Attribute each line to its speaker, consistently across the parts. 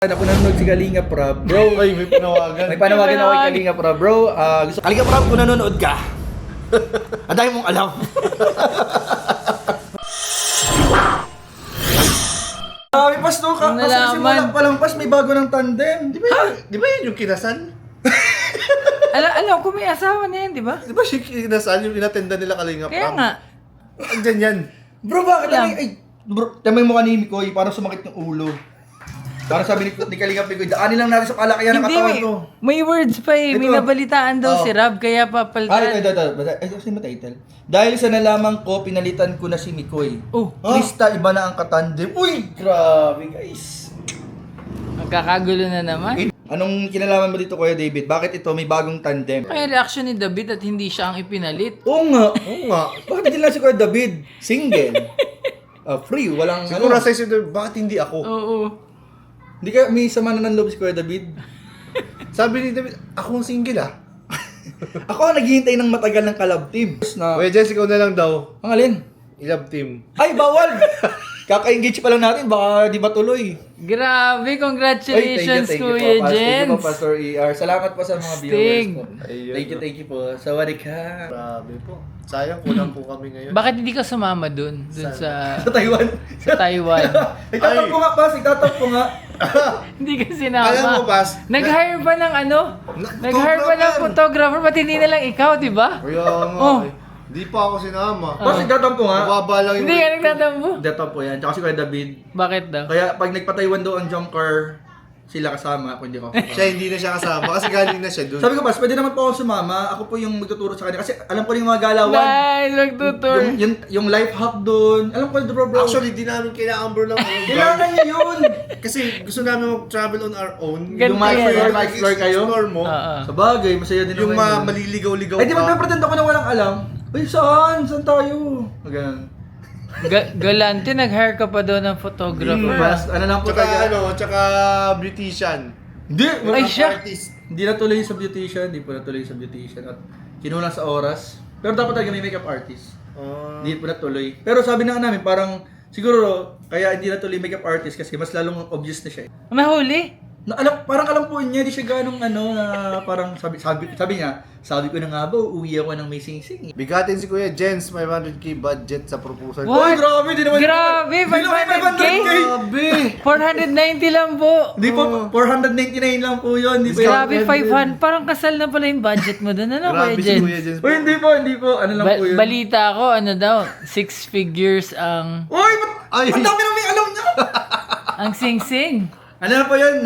Speaker 1: Ako nanonood si Kalinga Prab. Bro,
Speaker 2: Ay, may panawagan.
Speaker 1: may panawagan ako kay Kalinga Prab. Bro, gusto Kalinga Prab, kung nanonood ka, ang dami mong alam. Pas no, kasi simula pa lang pas, may bago ng tandem.
Speaker 2: Di ba yun yung kinasal?
Speaker 3: Alam ko may asawa na yan, di ba?
Speaker 2: Di ba siya kinasal yung inatenda nila Kalinga Prab?
Speaker 3: Kaya nga.
Speaker 2: Andyan yan.
Speaker 1: Bro, bakit?
Speaker 3: Lang.
Speaker 1: Bro, tama yung mukha ni Mikoy, parang sumakit ng ulo. Parang sabi ni Kalinga Mikoy, daanin lang natin sa palakayan ng
Speaker 3: Hindi,
Speaker 1: katawan to.
Speaker 3: may words pa eh. May
Speaker 1: Ito.
Speaker 3: nabalitaan daw
Speaker 1: Oh.
Speaker 3: si Rob, kaya papalitan.
Speaker 1: Kasi title. Dahil sa nalaman ko, pinalitan ko na si Mikoy.
Speaker 3: Oh,
Speaker 1: Krista, iba na ang katandem. Uy, grabe guys.
Speaker 3: magkakagulo na naman.
Speaker 1: Anong kinalaman mo dito, Kuya David? Bakit ito may bagong tandem?
Speaker 3: Kaya reaction ni David at hindi siya ang ipinalit.
Speaker 1: Oo nga.
Speaker 2: Oo nga.
Speaker 1: Bakit hindi lang si Kuya David? Single. Free, walang
Speaker 2: Siguro sa isip doon, bakit hindi ako?
Speaker 3: Oo.
Speaker 1: Hindi ka, may sama na ng loob si Kuya David.
Speaker 2: Sabi ni David, ako ang single ah.
Speaker 1: Ako ang naghihintay ng matagal ng collab team. Na,
Speaker 2: Kuya Jess, ikaw na lang daw.
Speaker 1: ang alin?
Speaker 2: I-love team.
Speaker 1: Ay, bawal! Kaka-engage pa lang natin, baka di ba tuloy?
Speaker 3: Grabe, congratulations, Kuya
Speaker 1: Thank you po,
Speaker 3: Jens.
Speaker 1: Pastor ER. Salamat po sa mga
Speaker 3: Sting.
Speaker 1: viewers po.
Speaker 2: Ayun.
Speaker 1: Thank you po. Sawadee ka.
Speaker 2: Grabe po. Sayang, kulang po kami ngayon.
Speaker 3: Bakit hindi ka sumama dun? Dun sa
Speaker 1: Sa Taiwan.
Speaker 3: Taiwan.
Speaker 1: Nagtatampo nga, Pas. Nagtatampo nga.
Speaker 3: Hindi ka sinama.
Speaker 2: Alam mo, Pas,
Speaker 3: Nag-hire pa ng ano? Nag-hire pa ng photographer. Ba't hindi na lang ikaw, di ba?
Speaker 2: Kaya nga
Speaker 3: Oh.
Speaker 2: eh. Di pa ako sinama.
Speaker 1: Pas, nagtatampo nga.
Speaker 2: Mababa lang yung...
Speaker 3: Hindi ka nagtatampo.
Speaker 1: Nagtatampo yan. Tsaka si Kuya David.
Speaker 3: Bakit daw?
Speaker 1: Kaya pag nagpa-Taiwan daw ang jump car, sila kasama, kung hindi ko.
Speaker 2: Siya hindi na siya kasama kasi galing na siya doon.
Speaker 1: Sabi ko, Pas, pwede naman po ako sumama. Ako po yung magtuturo sa kanya. Kasi alam ko rin yung mga galawan.
Speaker 3: Nice, magtutur.
Speaker 1: Yung life hack doon. Alam ko, bro.
Speaker 2: Actually, di namin kailangan bro ng
Speaker 1: Kailangan niya yun.
Speaker 2: Kasi gusto namin mag-travel on our own.
Speaker 3: Ganti
Speaker 1: Yung ma-explore,
Speaker 3: yan.
Speaker 1: ma-explore kayo.
Speaker 2: Explore mo.
Speaker 3: Oo.
Speaker 1: Sa bagay, masaya din
Speaker 2: Yung
Speaker 1: naman yun.
Speaker 2: maliligaw-ligaw
Speaker 1: Ay, di ba pretend ako na walang alam? Ay, saan? Saan tayo? Ganun.
Speaker 3: Galante, nag-hire ka pa doon ng photographer.
Speaker 1: Mas, ano lang po
Speaker 2: Tsaka
Speaker 1: tayo.
Speaker 2: tsaka beautician.
Speaker 1: Hindi!
Speaker 3: Ay, siya.
Speaker 2: Artist.
Speaker 1: Hindi natuloy sa beautician. Hindi po natuloy sa beautician. At kinulang sa oras. Pero dapat talaga may makeup artist. Hindi po natuloy. Pero sabi na nga namin, parang siguro kaya hindi natuloy makeup artist kasi mas lalong obvious na siya.
Speaker 3: Nahuli?
Speaker 1: Parang alam po niya, di siya ganong ano na parang sabi niya, sabi ko na nga ba, uuwi ako ng may sing-sing.
Speaker 2: Bigatin si Kuya Jens, 500k budget sa proposal.
Speaker 3: What?
Speaker 1: Uy, grabe, di naman.
Speaker 3: Grabe,
Speaker 1: Di naman
Speaker 3: 500K?
Speaker 2: Grabe!
Speaker 3: 490 lang po.
Speaker 1: Di po, 499 lang po yun. Di po.
Speaker 3: Grabe, 500. Parang kasal na pala yung budget mo doon. Ano,
Speaker 2: Grabe
Speaker 3: Kuya
Speaker 2: si
Speaker 3: Jens?
Speaker 2: Kuya Jens.
Speaker 1: Uy, hindi po. Ano lang po yun.
Speaker 3: Balita ko, ano daw, 6 figures ang
Speaker 1: Uy,
Speaker 2: Ay.
Speaker 1: ang dami nang may alam niya.
Speaker 3: ang sing-sing.
Speaker 1: Ano na po yun?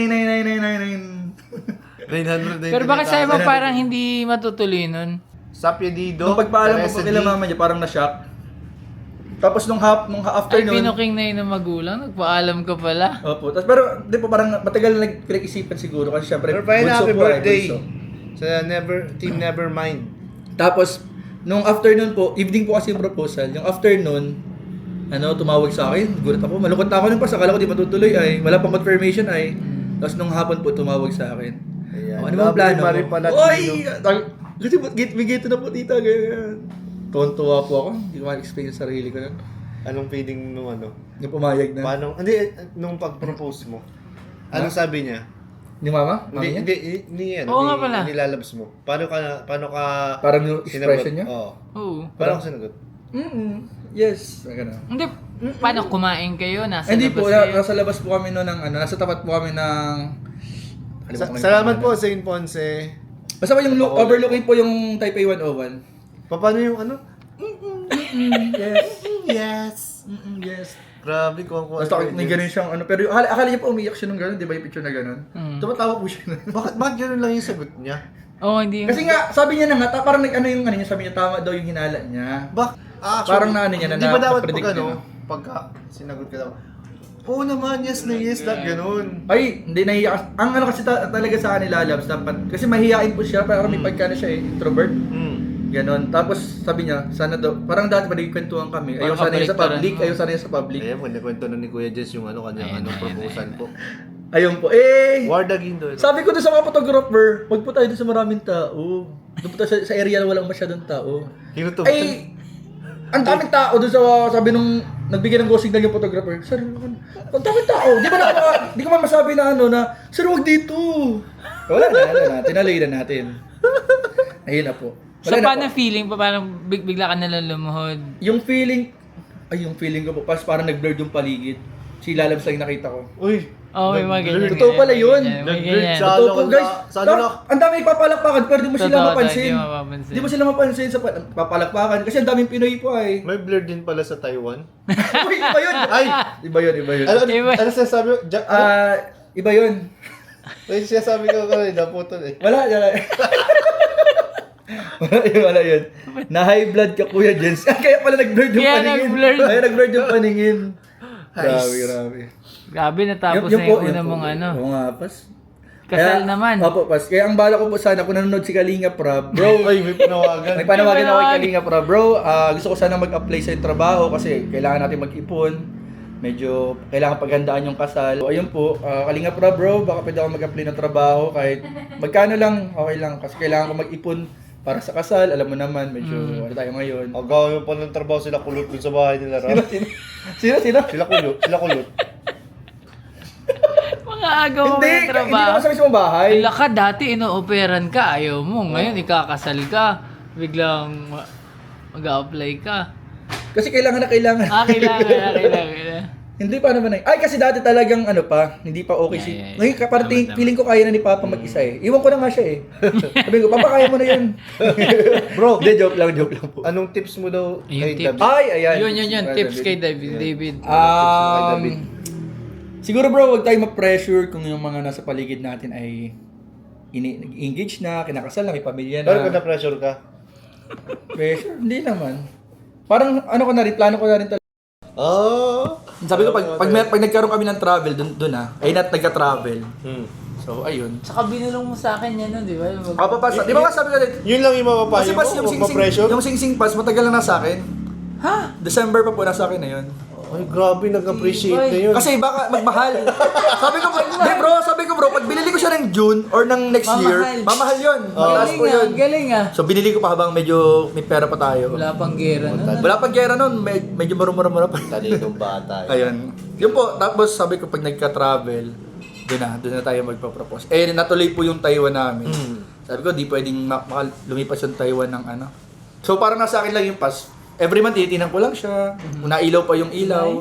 Speaker 1: 9999999.
Speaker 2: 999.
Speaker 3: Pero bakit sa'yo mo parang hindi matutuloy nun?
Speaker 2: Sapyedido.
Speaker 1: Nung pagpaalam ko po
Speaker 2: Resident.
Speaker 1: nila mama niya, parang na-shock. Tapos nung
Speaker 3: Ay,
Speaker 1: afternoon.
Speaker 3: pinuking na yun ng magulang. Nagpaalam ka pala.
Speaker 1: Opo. Tapos pero di po parang matagal na nagpinag-isipan siguro kasi syempre
Speaker 2: Pero pa yun, happy
Speaker 1: po
Speaker 2: birthday.
Speaker 1: bunso.
Speaker 2: Sa Team Nevermind.
Speaker 1: Tapos nung afternoon po, evening po kasi yung proposal. Yung afternoon, tumawag sa akin. Gulat ako. Malungkot na ako nun pa. Akala ko di matutuloy ay. Wala pang confirmation ay. Tapos nung hapon po, tumawag sa akin.
Speaker 2: Ayan.
Speaker 1: Ano bang plano mo?
Speaker 2: Mari pala,
Speaker 1: Oy! Kasi may gate na po tita. Ganyan. Tuwan-tuwa po ako. Hindi ko ma-explain sa sarili ko nun.
Speaker 2: Anong feeling nung ano?
Speaker 1: Yung pumayag na.
Speaker 2: Paano? Hindi, nung pag-propose mo. Anong sabi niya?
Speaker 1: Ni mama? Mami niya?
Speaker 2: Hindi yan.
Speaker 3: Oo nga pala.
Speaker 2: Nilalabas mo. Paano ka
Speaker 1: Parang yung expression niya?
Speaker 2: Oo.
Speaker 3: Oo.
Speaker 2: Paano ka sinagot?
Speaker 1: Yes. Ganun.
Speaker 3: Hindi, paano kumain kayo? Nasa
Speaker 1: Hindi
Speaker 3: labas
Speaker 1: po,
Speaker 3: kayo?
Speaker 1: nasa labas po kami noon ng nasa tapat po kami ng Kalimutan ko na yung
Speaker 2: Salamat po,
Speaker 1: pangalan.
Speaker 2: Saint Ponce.
Speaker 1: Basta po yung overlooking po yung Taipei 101.
Speaker 2: Paano yung ano?
Speaker 1: Yes.
Speaker 2: Yes.
Speaker 1: Yes.
Speaker 2: Grabe ko ako.
Speaker 1: Basta may ganun siyang pero akala niya po umiyak siya nung ganun, di ba yung picture na ganun? Tumatawa po siya nun.
Speaker 2: Bakit ganun lang yung sagot niya?
Speaker 3: Oo, hindi.
Speaker 1: Kasi nga, sabi niya na nga, parang yung ano niya, sabi niya tama daw yung hinala niya. Parang naano niya na
Speaker 2: Di ba dapat
Speaker 1: na-predict
Speaker 2: pag
Speaker 1: niya
Speaker 2: ano, pagka sinagot ka daw, oo naman, yes na yes, that ganun.
Speaker 1: Ay, hindi nahiya. Ang ano kasi talaga sa kanila, Labs, dapat, kasi mahihain po siya, parang may pagka na siya introvert. Ganon. Tapos sabi niya, sana daw, parang dati pa nagkwentuhan kami. Ayaw sana niya sa public, ayaw sana niya sa public.
Speaker 2: Ayan, kwento na ni Kuya Jess yung kanyang proposal po.
Speaker 1: Ayun po.
Speaker 2: Wardagin doon.
Speaker 1: Sabi ko doon sa mga photographer, wag po tayo doon sa maraming tao. Doon po tayo sa area na walang masyadong tao.
Speaker 2: Hinutuban.
Speaker 1: Ay, ang daming tao doon sa, sabi nung nagbigay ng go signal yung photographer. Sir, ang daming tao. Di ko man masabi na ano na, sir, huwag dito. Wala na, tinalay na natin. Ayun na po.
Speaker 3: So,
Speaker 1: Wala na
Speaker 3: paano
Speaker 1: po.
Speaker 3: feeling pa? Parang bigla ka nalang lumuhod.
Speaker 1: Yung feeling ko po, parang nag-blurred yung paligid. Si Lalabs lang yung nakita ko.
Speaker 2: Uy.
Speaker 3: Oo, may mga ganyan.
Speaker 1: Totoo pala yun.
Speaker 3: May
Speaker 2: Nag-blurred
Speaker 3: ganyan.
Speaker 2: sa-
Speaker 1: Totoo po,
Speaker 2: ano,
Speaker 1: guys.
Speaker 2: sa ano na-
Speaker 1: Ang dami ipapalakpakan, pero di mo sila
Speaker 3: Totoo,
Speaker 1: mapansin.
Speaker 3: di mo mapapansin.
Speaker 1: Di mo sila mapansin sa papalakpakan. Kasi ang daming Pinoy po ay.
Speaker 2: May blur din pala sa Taiwan.
Speaker 1: Uy, iba yun.
Speaker 2: Ay!
Speaker 1: Iba yun.
Speaker 2: Ano sinasabi mo?
Speaker 1: Iba yun.
Speaker 2: May sinasabi ko kanina, putol eh.
Speaker 1: Wala. Wala yun. Na high blood ka, Kuya Jens. Kaya pala nag-blurred yung
Speaker 3: Kaya
Speaker 1: paningin.
Speaker 3: nag-blurred.
Speaker 1: Kaya nag-blurred yung paningin. Grabe.
Speaker 3: Grabe, natapos
Speaker 1: Yun
Speaker 3: na
Speaker 1: po,
Speaker 3: yung una
Speaker 1: yun po.
Speaker 3: mong ano.
Speaker 1: Oo nga, pas.
Speaker 3: Kasal naman.
Speaker 1: Opo, pas. Kaya ang bala ko po sana, kung nanonood si Kalinga Prab, bro,
Speaker 2: Ay, may panawagan.
Speaker 1: may panawagan ako kay Kalinga Prab, bro. Gusto ko sana mag-apply sa trabaho kasi kailangan natin mag-ipon. Medyo kailangan paghandaan yung kasal. So, ayun po, Kalinga Prab, bro, baka pwede ako mag-apply ng trabaho kahit magkano lang, okay lang. Kasi kailangan ko mag-ipon para sa kasal. Alam mo naman, medyo ano tayo ngayon.
Speaker 2: Ang gawin pa ng trabaho sila kulot dun sa bahay nila, Ram.
Speaker 1: Sino?
Speaker 2: Sila kulot.
Speaker 3: Mga agaw mo
Speaker 1: Hindi,
Speaker 3: ng
Speaker 1: hindi
Speaker 3: trabaho.
Speaker 1: naman sa mismong bahay.
Speaker 3: Wala ka, dati ino-operan ka, ayaw mo. Ngayon, ikakasal ka. Biglang mag-a-apply ka.
Speaker 1: Kasi kailangan.
Speaker 3: Kailangan.
Speaker 1: Hindi pa naman ay kasi dati talagang ano pa, hindi pa okay si.
Speaker 3: Yeah.
Speaker 1: Ngayon parang feeling ko kaya na ni Papa mag-isa eh. Iwan ko na nga siya eh. Sabi ko, Papa kaya mo na 'yun.
Speaker 2: Bro,
Speaker 1: Hindi, joke lang po.
Speaker 2: anong tips mo daw
Speaker 3: Yung
Speaker 2: kay
Speaker 3: tips.
Speaker 2: David?
Speaker 1: Ay, ayan.
Speaker 3: Yun. Tips kay David.
Speaker 1: Siguro bro, huwag tayong ma-pressure kung yung mga nasa paligid natin ay engage na, kinakasal na, may pamilya
Speaker 2: Pero kung
Speaker 1: na.
Speaker 2: na-pressure ka?
Speaker 1: Pressure? Hindi naman. Parang ano ko na rin, plano ko na rin talaga.
Speaker 2: Oh.
Speaker 1: Sabi ko, pag nagkaroon kami ng travel, dun ay nagka-travel. So, ayun.
Speaker 3: Tsaka binulong mo sa akin yan, no, di ba?
Speaker 1: Di ba sabi ko rin,
Speaker 2: Yun lang yung mapapayo
Speaker 1: kasi
Speaker 2: mo?
Speaker 1: pas
Speaker 2: Huwag ma-pressure?
Speaker 1: yung sing pass, matagal na nasa akin.
Speaker 3: Ha?
Speaker 1: December pa po nasa akin na yun.
Speaker 2: Ay, grabe, nag-appreciate na yun.
Speaker 1: Kasi baka magmahal. sabi ko bro, pag binili ko siya ng June or ng next year, mamahal yun. Mataas po yun.
Speaker 3: Galing ah.
Speaker 1: So binili ko pa habang medyo may pera pa tayo.
Speaker 3: Wala pang gera, no?
Speaker 1: Wala pang gera nun, medyo mura pa.
Speaker 2: Talinong bata.
Speaker 1: Ayun. Yun po, tapos sabi ko pag nagka-travel, doon na tayo magpa-propose. Eh, natuloy po yung Taiwan namin. Sabi ko, di pwedeng lumipas yung Taiwan ng ano. So parang nasa akin lang yung pass. Every month, titinan ko lang siya. Nailaw pa yung ilaw.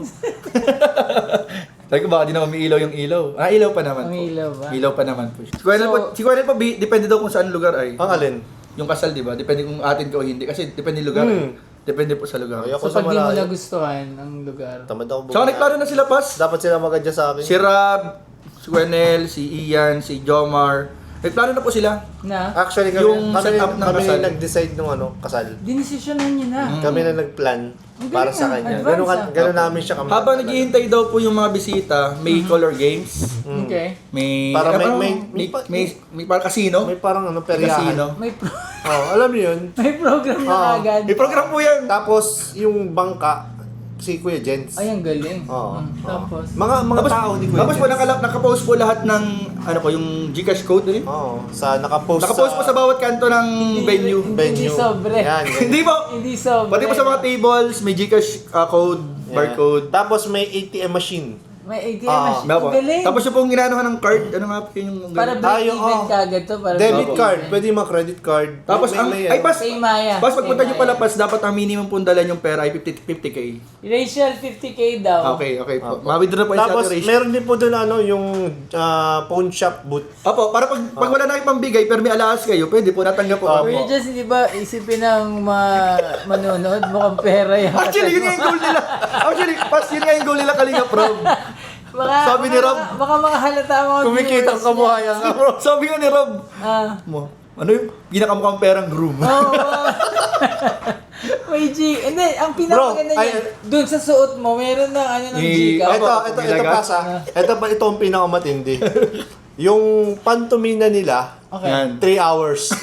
Speaker 1: Sabi ko, baka di naman may ilaw yung ilaw. Ilaw pa naman po.
Speaker 3: May ilaw ba?
Speaker 1: Ilaw pa naman po. Si Kuya Nel po, depende daw kung saan lugar ay.
Speaker 2: Ang alin?
Speaker 1: Yung kasal, di ba? Depende kung atin ka o hindi. Kasi depende lugar. Depende po sa lugar.
Speaker 2: Ay, ako
Speaker 3: So
Speaker 2: sa
Speaker 3: pag di mo
Speaker 2: malayo.
Speaker 3: nagustuhan ang lugar.
Speaker 2: Tamad ako
Speaker 1: Saka nagplano na sila, Pas.
Speaker 2: Dapat sila mag-adjust sa akin.
Speaker 1: Si Rab, si Kuya Nel, si Ian, si Jomar. Nagplano na po sila.
Speaker 3: Na?
Speaker 2: Actually,
Speaker 1: Yung setup ng kasal.
Speaker 2: nag-decide nung kasal.
Speaker 3: Dinesisyonan niyo na.
Speaker 2: Kami na nagplan para sa kanya.
Speaker 3: Advance,
Speaker 2: Ganun namin siya kami.
Speaker 1: Habang naghihintay daw po yung mga bisita, may color games.
Speaker 3: Okay.
Speaker 1: May
Speaker 2: Para
Speaker 1: may parang casino.
Speaker 2: May parang
Speaker 1: May
Speaker 2: peryahan.
Speaker 1: casino.
Speaker 2: Alam niyo yun.
Speaker 3: May program na agad.
Speaker 1: May program po yan.
Speaker 2: Tapos, yung bangka, si Kuya Jens.
Speaker 3: Ay, ang galing.
Speaker 2: Oo.
Speaker 3: Tapos?
Speaker 2: Mga tao ni Kuya
Speaker 1: Tapos po
Speaker 2: Jens.
Speaker 1: nakapost po lahat ng yung GCash code din.
Speaker 2: Oo. Nakapost
Speaker 1: Nakapost po sa bawat kanto ng venue.
Speaker 3: Hindi sobre.
Speaker 2: Yan.
Speaker 1: Hindi po.
Speaker 3: Hindi sobre.
Speaker 1: Pati po sa mga tables, may GCash code, barcode.
Speaker 2: Tapos may ATM machine.
Speaker 3: May ATM
Speaker 2: Ah,
Speaker 3: machine.
Speaker 1: Diba po?
Speaker 3: Ang galing.
Speaker 1: Tapos yung pong ginanuhan ng card, ano nga po yung
Speaker 3: Para break
Speaker 2: yung,
Speaker 3: even kagad to. Para
Speaker 2: Debit
Speaker 3: break
Speaker 2: card.
Speaker 3: even.
Speaker 2: Pwede yung mga credit card.
Speaker 1: Tapos ay pas,
Speaker 3: Kay Maya.
Speaker 1: pas pagpunta
Speaker 3: Kay
Speaker 1: nyo pala
Speaker 3: Maya.
Speaker 1: pas, dapat ang minimum pong dalan yung pera ay 50k.
Speaker 3: Rachel, 50k daw.
Speaker 1: Okay po. Ma-withdraw po yung
Speaker 2: Tapos,
Speaker 1: saturation.
Speaker 2: meron din po doon yung pawn shop booth.
Speaker 1: Opo, para pag wala na kayong pambigay, pero may alaas kayo, pwede po, natanggap po.
Speaker 2: Opo.
Speaker 3: Kuya Jess, hindi ba isipin ng manonood? Mukhang pera yan.
Speaker 1: Actually, yun nga yung goal nila. Actually, pas yun nga yung goal nila Kalinga Prob. Sabi ni Rob,
Speaker 3: Baka makahalata mga
Speaker 2: Kumikita ang kabuhayan.
Speaker 1: Sabi nga ni Rob,
Speaker 3: Ah.
Speaker 1: ano yung pinakamukhang perang groom?
Speaker 3: Oo. May G. Hindi, ang pinakamaganda
Speaker 2: Bro,
Speaker 3: niya, dun sa suot mo, meron ng ano ng
Speaker 1: Ni-
Speaker 3: G ka.
Speaker 1: Opo,
Speaker 2: Ito
Speaker 1: nilaga.
Speaker 2: pa sa. Ito ang pinakamatindi. Yung pantomina nila,
Speaker 3: Okay.
Speaker 1: Yan.
Speaker 2: 3 hours.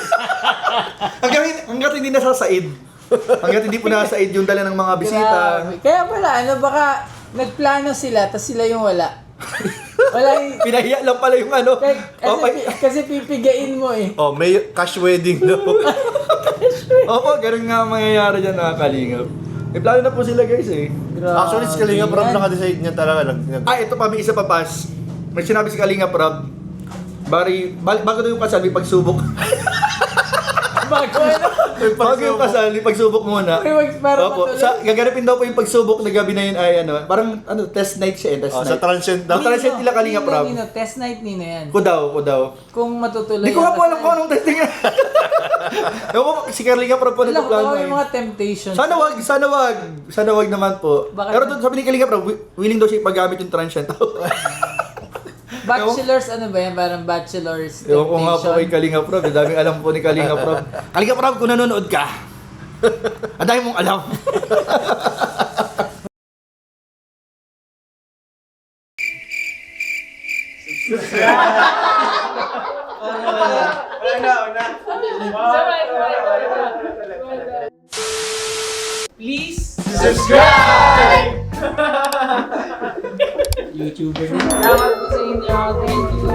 Speaker 1: Hanggat hindi nasasaid. Hanggat hindi po nasasaid yung dala ng mga bisita.
Speaker 3: Grabe. Kaya pala, baka nagplano sila, tas sila yung wala. Wala yung...
Speaker 1: Pinahiya lang pala yung ano.
Speaker 3: Kasi pipigain mo eh.
Speaker 2: May cash wedding daw.
Speaker 1: Opo, ganun nga ang mangyayari dyan, Kalingap. May plano na po sila guys eh.
Speaker 2: Actually, si Kalinga Prab
Speaker 3: yan.
Speaker 2: naka-decide niya talaga.
Speaker 1: Ito pa, may isa pa pas. May sinabi si Kalinga Prab. Bago daw yung kasal, may pagsubok.
Speaker 3: Bago ano?
Speaker 1: Bago yung kasal, may pagsubok muna.
Speaker 3: Para
Speaker 1: Opo, gaganapin daw po yung pagsubok na gabi na yun ay ano, parang test night siya eh, test
Speaker 2: Sa
Speaker 1: night.
Speaker 2: transient daw.
Speaker 1: Sa transient nila Kalinga Prab.
Speaker 3: Nino, test night Nino yan.
Speaker 1: Ko daw.
Speaker 3: Kung matutuloy.
Speaker 1: Hindi ko nga po alam kung anong testing yan. Ewan ko, si Kalinga Prab po
Speaker 3: Alam ko,
Speaker 1: nagplano
Speaker 3: yung
Speaker 1: eh.
Speaker 3: mga temptations.
Speaker 1: Sana wag naman po.
Speaker 3: Bakit?
Speaker 1: Pero doon sabi ni Kalinga Prab, willing daw siya ipagamit yung transient.
Speaker 3: Bachelors, ano ba yan? Parang bachelors
Speaker 1: Ewan ko nga po kay
Speaker 3: temptation.
Speaker 1: Kalinga Prab, daming alam po ni Kalinga Prab. Kalinga Prab, kung nanonood ka, ang dami mong alam.
Speaker 3: Please,
Speaker 4: YouTuber na.
Speaker 3: salamat po sa inyo. Thank you.